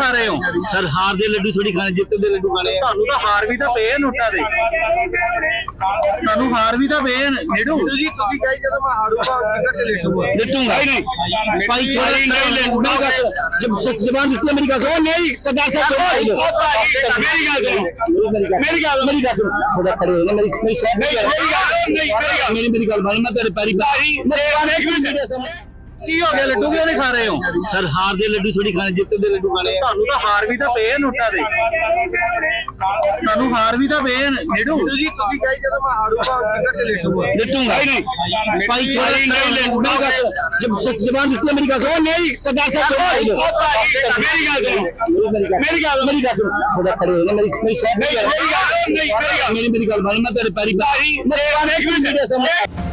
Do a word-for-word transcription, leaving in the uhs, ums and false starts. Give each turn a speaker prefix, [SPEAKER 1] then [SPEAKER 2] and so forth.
[SPEAKER 1] खा रहे हो?
[SPEAKER 2] सर हार दे लड्डू थोड़ी खाने, जितने दे लड्डू खाने।
[SPEAKER 1] ਤੁਹਾਨੂੰ ਤਾਂ ਹਾਰ ਵੀ ਤਾਂ ਪਏ ਆ ਨੋਟਾਂ ਦੇ, ਤੁਹਾਨੂੰ ਹਾਰ ਵੀ ਤਾਂ ਪਏ ਆ ਨੀਡੂ ਜੀ। ਤੁਸੀਂ ਕਹੀ ਜਦੋਂ ਮੈਂ ਹਾਰੂਗਾ ਟਿਕਟ ਤੇ ਲੇਟੂਗਾ,
[SPEAKER 2] लट्टूंगा ही नहीं भाई, थोड़ा नहीं लड्डू जब जबान देती है मेरी गाल ओ नहीं सरदार साहब मेरी गाल सुनो, मेरी गाल मेरी गाल सुनो, थोड़ा खड़े हो ना, मेरी मेरी मेरी गाल नहीं, मेरी मेरी गाल मान, मैं तेरे पैरी पैरी एक मिनट
[SPEAKER 1] ਕੀ ਹੋ ਗਿਆ? ਲੱਡੂ ਕਿਉਂ ਨਹੀਂ ਖਾ ਰਹੇ ਹੋ?
[SPEAKER 2] सर हार दे लड्डू थोड़ी खाने, जितने दे लड्डू खाने।
[SPEAKER 1] ਤੁਹਾਨੂੰ ਤਾਂ ਹਾਰ ਵੀ ਤਾਂ ਪਏ ਆ ਨੋਟਾਂ ਦੇ, ਤੁਹਾਨੂੰ ਹਾਰ ਵੀ ਤਾਂ ਪਏ ਆ ਨੀਡੂ ਜੀ। ਤੁਸੀਂ ਕਹੀ ਜਦੋਂ ਮੈਂ ਹਾਰੂਗਾ ਟਿਕਟ ਤੇ ਲੇਟੂਗਾ,
[SPEAKER 2] लट्टूंगा ही नहीं भाई, थोड़ा नहीं लड्डू जब जबान देती है मेरी गाल ओ नहीं सरदार साहब मेरी गाल सुनो, मेरी गाल मेरी गाल सुनो, थोड़ा खड़े हो ना, मेरी मेरी मेरी गाल मेरी मेरी गाल मान, मैं तेरे पैरी पैरी एक मिनट